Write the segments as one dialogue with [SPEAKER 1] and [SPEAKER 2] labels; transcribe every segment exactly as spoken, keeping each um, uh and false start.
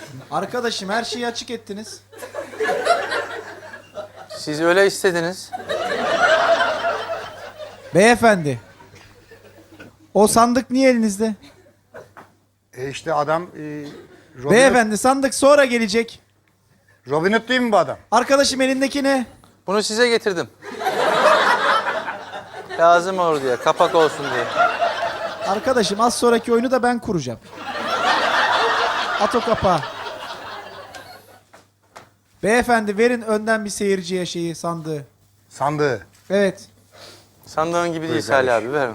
[SPEAKER 1] Arkadaşım her şeyi açık ettiniz.
[SPEAKER 2] Siz öyle istediniz.
[SPEAKER 1] Beyefendi. O sandık niye elinizde?
[SPEAKER 3] E işte adam... E, Robin
[SPEAKER 1] Beyefendi sandık sonra gelecek.
[SPEAKER 3] Hood, Robin Hood değil mi bu adam?
[SPEAKER 1] Arkadaşım elindeki ne?
[SPEAKER 2] Bunu size getirdim. Lazım olur diye, kapak olsun diye.
[SPEAKER 1] Arkadaşım az sonraki oyunu da ben kuracağım. At o kapağı. Beyefendi verin önden bir seyirciye şeyi sandığı.
[SPEAKER 3] Sandığı.
[SPEAKER 1] Evet.
[SPEAKER 2] Sandığın gibi değil
[SPEAKER 3] Buyur
[SPEAKER 2] Salih
[SPEAKER 3] kardeşim.
[SPEAKER 2] abi, ver.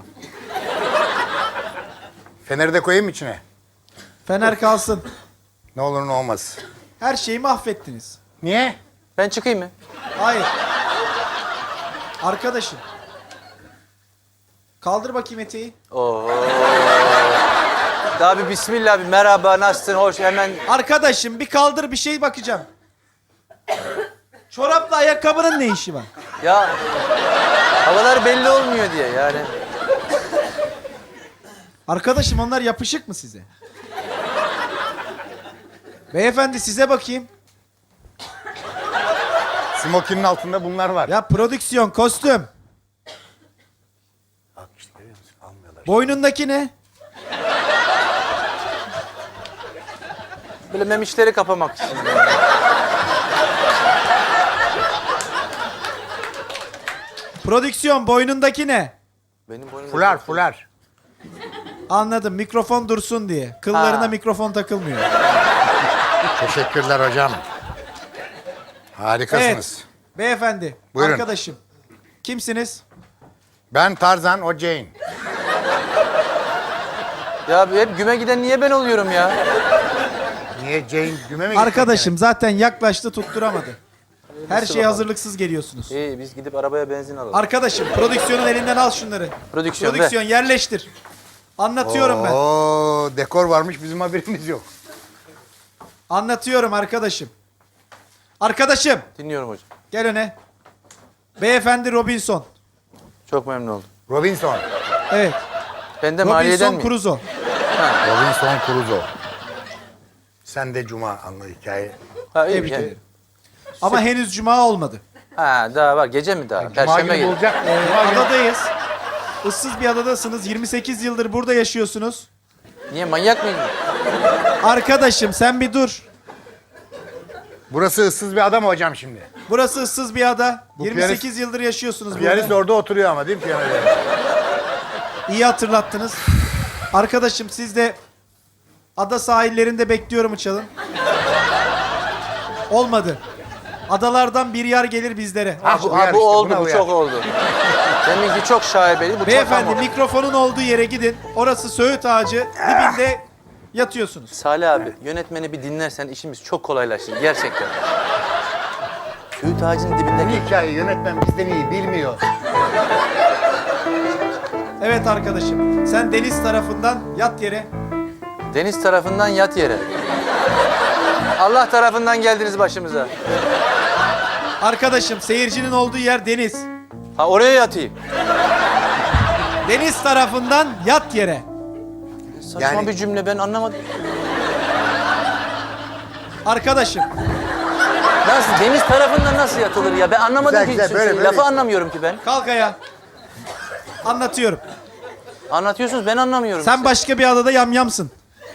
[SPEAKER 3] Feneri de koyayım mı içine?
[SPEAKER 1] Fener kalsın.
[SPEAKER 3] Ne olur ne olmaz.
[SPEAKER 1] Her şeyi mahvettiniz.
[SPEAKER 3] Niye?
[SPEAKER 2] Ben çıkayım mı?
[SPEAKER 1] Hayır. Arkadaşım. Kaldır bakayım eteği.
[SPEAKER 2] Oo. Daha bir bismillah, bir merhaba, nasılsın, hoş, hemen...
[SPEAKER 1] Arkadaşım bir kaldır bir şey bakacağım. Çorapla ayakkabının ne işi var?
[SPEAKER 2] Ya havalar belli olmuyor diye yani.
[SPEAKER 1] Arkadaşım onlar yapışık mı size? Beyefendi size bakayım.
[SPEAKER 3] Smokinin altında bunlar var.
[SPEAKER 1] Ya prodüksiyon, kostüm.
[SPEAKER 3] Bak işte görüyor musun? Almıyorlar.
[SPEAKER 1] Boynundaki ne?
[SPEAKER 2] Böyle memişleri kapamak için.
[SPEAKER 1] Prodüksiyon boynundaki ne?
[SPEAKER 2] Benim boynumda...
[SPEAKER 3] Fular fular.
[SPEAKER 1] Anladım mikrofon dursun diye. Kıllarına
[SPEAKER 2] Ha.
[SPEAKER 1] mikrofon takılmıyor.
[SPEAKER 3] Teşekkürler hocam. Harikasınız.
[SPEAKER 1] Evet. Beyefendi,
[SPEAKER 3] Buyurun.
[SPEAKER 1] arkadaşım. Kimsiniz?
[SPEAKER 3] Ben Tarzan, o Jane.
[SPEAKER 2] Ya hep güme giden niye ben oluyorum ya?
[SPEAKER 3] Niye Jane güme mi gitti?
[SPEAKER 1] Arkadaşım zaten yaklaştı tutturamadı. Her
[SPEAKER 2] Nasıl
[SPEAKER 1] şeye
[SPEAKER 2] bakalım?
[SPEAKER 1] hazırlıksız geliyorsunuz.
[SPEAKER 2] İyi, biz gidip arabaya benzin alalım.
[SPEAKER 1] Arkadaşım prodüksiyonun elinden al şunları.
[SPEAKER 2] Prodüksiyon,
[SPEAKER 1] Prodüksiyon yerleştir. Anlatıyorum ben.
[SPEAKER 3] Oo, dekor varmış bizim haberimiz yok.
[SPEAKER 1] Anlatıyorum arkadaşım. Arkadaşım
[SPEAKER 2] Dinliyorum hocam.
[SPEAKER 1] gel öne. Beyefendi Robinson.
[SPEAKER 2] Çok memnun oldum.
[SPEAKER 3] Robinson.
[SPEAKER 1] Evet.
[SPEAKER 2] Ben de maliyeden
[SPEAKER 1] Robinson
[SPEAKER 2] miyim?
[SPEAKER 1] Crusoe.
[SPEAKER 3] Robinson Crusoe. Sen de Cuma anla hikaye.
[SPEAKER 2] Ha, iyi
[SPEAKER 1] Tebrik
[SPEAKER 2] yani.
[SPEAKER 1] ederim. Ama henüz cuma olmadı.
[SPEAKER 2] Ha, daha var. Gece mi daha?
[SPEAKER 3] Cuma
[SPEAKER 2] Perşembe
[SPEAKER 3] günü
[SPEAKER 2] gece.
[SPEAKER 3] bulacak.
[SPEAKER 1] Ee,
[SPEAKER 3] Cuma günü.
[SPEAKER 1] adadayız. Issız bir adadasınız. yirmi sekiz yıldır burada yaşıyorsunuz.
[SPEAKER 2] Niye, manyak mıydın?
[SPEAKER 1] Arkadaşım sen bir dur.
[SPEAKER 3] Burası ıssız bir adam hocam şimdi.
[SPEAKER 1] Burası ıssız bir ada.
[SPEAKER 3] Bu
[SPEAKER 1] yirmi sekiz yıldır yaşıyorsunuz
[SPEAKER 3] Piyanist
[SPEAKER 1] burada.
[SPEAKER 3] orada oturuyor ama değil mi piyanoda?
[SPEAKER 1] İyi hatırlattınız. Arkadaşım siz de ada sahillerinde bekliyorum uçalım. Olmadı. Adalardan bir yer gelir bizlere.
[SPEAKER 2] Ha, bu,
[SPEAKER 3] uyar
[SPEAKER 2] ha, bu
[SPEAKER 3] işte,
[SPEAKER 2] oldu,
[SPEAKER 3] buna
[SPEAKER 2] bu
[SPEAKER 3] uyar.
[SPEAKER 2] çok oldu. Deminki çok şaibeli, bu çok
[SPEAKER 1] Beyefendi
[SPEAKER 2] ama.
[SPEAKER 1] mikrofonun olduğu yere gidin. Orası Söğüt Ağacı. Dibinde yatıyorsunuz.
[SPEAKER 2] Salih abi, yönetmeni bir dinlersen işimiz çok kolaylaşır gerçekten. Söğüt ağacının dibindeki...
[SPEAKER 3] Bu hikayeyi yönetmen bizden iyi bilmiyor.
[SPEAKER 1] Evet arkadaşım. Sen deniz tarafından yat yere.
[SPEAKER 2] Deniz tarafından yat yere. Allah tarafından geldiniz başımıza.
[SPEAKER 1] Arkadaşım seyircinin olduğu yer deniz.
[SPEAKER 2] Ha, oraya yatayım.
[SPEAKER 1] Deniz tarafından yat yere.
[SPEAKER 2] Saçma
[SPEAKER 3] Yani-
[SPEAKER 2] bir cümle, ben anlamadım.
[SPEAKER 1] Arkadaşım
[SPEAKER 2] Nasıl, deniz tarafından nasıl yatılır ya? Ben anlamadım
[SPEAKER 3] Güzel,
[SPEAKER 2] ki
[SPEAKER 3] güzel,
[SPEAKER 2] hiçbir
[SPEAKER 3] böyle,
[SPEAKER 2] şey.
[SPEAKER 3] böyle.
[SPEAKER 2] Lafı anlamıyorum ki ben.
[SPEAKER 1] kalk ayağa. Anlatıyorum.
[SPEAKER 2] Anlatıyorsunuz, ben anlamıyorum.
[SPEAKER 1] Sen
[SPEAKER 2] işte.
[SPEAKER 1] başka bir adada yamyamsın.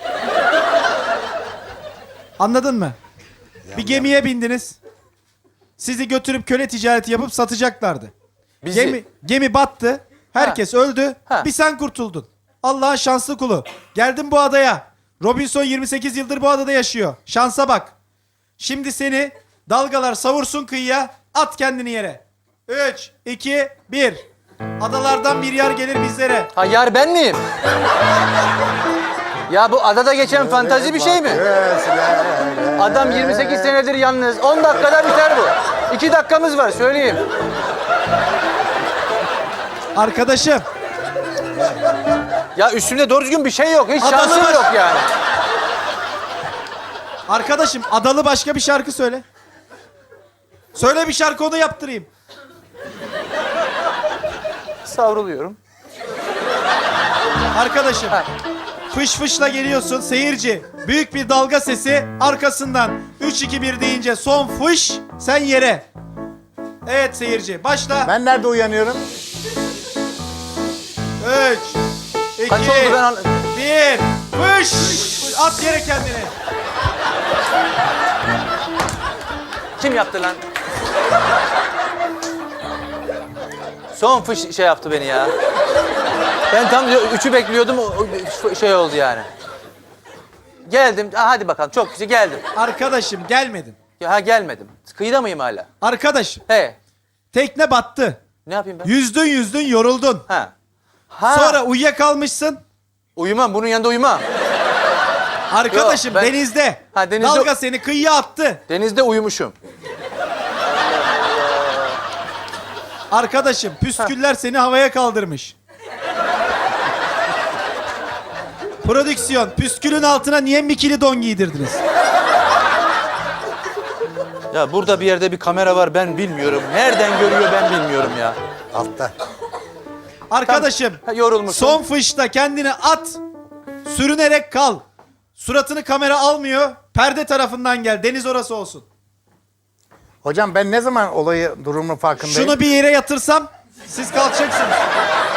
[SPEAKER 1] Anladın mı? Bir gemiye bindiniz. Sizi götürüp köle ticareti yapıp satacaklardı.
[SPEAKER 2] Bizi...
[SPEAKER 1] Gemi gemi battı. Herkes öldü.
[SPEAKER 2] Ha.
[SPEAKER 1] Bir sen kurtuldun. Allah'ın şanslı kulu. Geldin bu adaya. Robinson yirmi sekiz yıldır bu adada yaşıyor. Şansa bak. Şimdi seni dalgalar savursun kıyıya. At kendini yere. üç, iki, bir. Adalardan bir yer gelir bizlere.
[SPEAKER 2] Ha, yar ben miyim? Ya bu adada geçen fantazi bir şey mi? Adam yirmi sekiz senedir yalnız. on dakikada biter bu. iki dakikamız var, söyleyeyim.
[SPEAKER 1] Arkadaşım.
[SPEAKER 2] Ya üstümde doğru düzgün bir şey yok. Hiç
[SPEAKER 1] Adalı
[SPEAKER 2] şansım
[SPEAKER 1] baş-
[SPEAKER 2] yok yani.
[SPEAKER 1] Arkadaşım adalı başka bir şarkı söyle. Söyle bir şarkı onu yaptırayım.
[SPEAKER 2] Savruluyorum.
[SPEAKER 1] Arkadaşım.
[SPEAKER 2] Ha.
[SPEAKER 1] fış fışla geliyorsun seyirci. Büyük bir dalga sesi arkasından üç iki bir deyince son fış sen yere. Evet seyirci başla.
[SPEAKER 3] Ben nerede uyanıyorum?
[SPEAKER 1] üç iki
[SPEAKER 2] Kaç oldu ben an-
[SPEAKER 1] bir fış at yere kendini.
[SPEAKER 2] Kim yaptı lan? Son fış şey yaptı beni ya. Ben tam üçü bekliyordum, o- o şey oldu yani. Geldim, ha, hadi bakalım çok güzel geldim.
[SPEAKER 1] Arkadaşım gelmedin.
[SPEAKER 2] Ya, ha gelmedim. Kıyıda mıyım hala?
[SPEAKER 1] Arkadaşım
[SPEAKER 2] He.
[SPEAKER 1] tekne battı.
[SPEAKER 2] Ne yapayım ben?
[SPEAKER 1] Yüzdün yüzdün yoruldun.
[SPEAKER 2] Ha. Ha.
[SPEAKER 1] Sonra uyuyakalmışsın.
[SPEAKER 2] Uyumam, bunun yanında uyumam.
[SPEAKER 1] Arkadaşım
[SPEAKER 2] Yok, ben-
[SPEAKER 1] denizde.
[SPEAKER 2] Ha, denizde-
[SPEAKER 1] Dalga seni kıyıya attı.
[SPEAKER 2] Denizde uyumuşum.
[SPEAKER 1] Arkadaşım püsküller seni havaya kaldırmış. Prodüksiyon püskülün altına niye bikini don giydirdiniz?
[SPEAKER 2] Ya burada bir yerde bir kamera var, ben bilmiyorum. Nereden görüyor ben bilmiyorum ya.
[SPEAKER 3] Altta.
[SPEAKER 1] Arkadaşım
[SPEAKER 2] Ha, yorulmuşsun.
[SPEAKER 1] son fışta kendini at. Sürünerek kal. Suratını kamera almıyor. Perde tarafından gel. Deniz orası olsun.
[SPEAKER 3] Hocam ben ne zaman olayı durumun farkındayım?
[SPEAKER 1] Şunu bir yere yatırsam siz kalkacaksınız.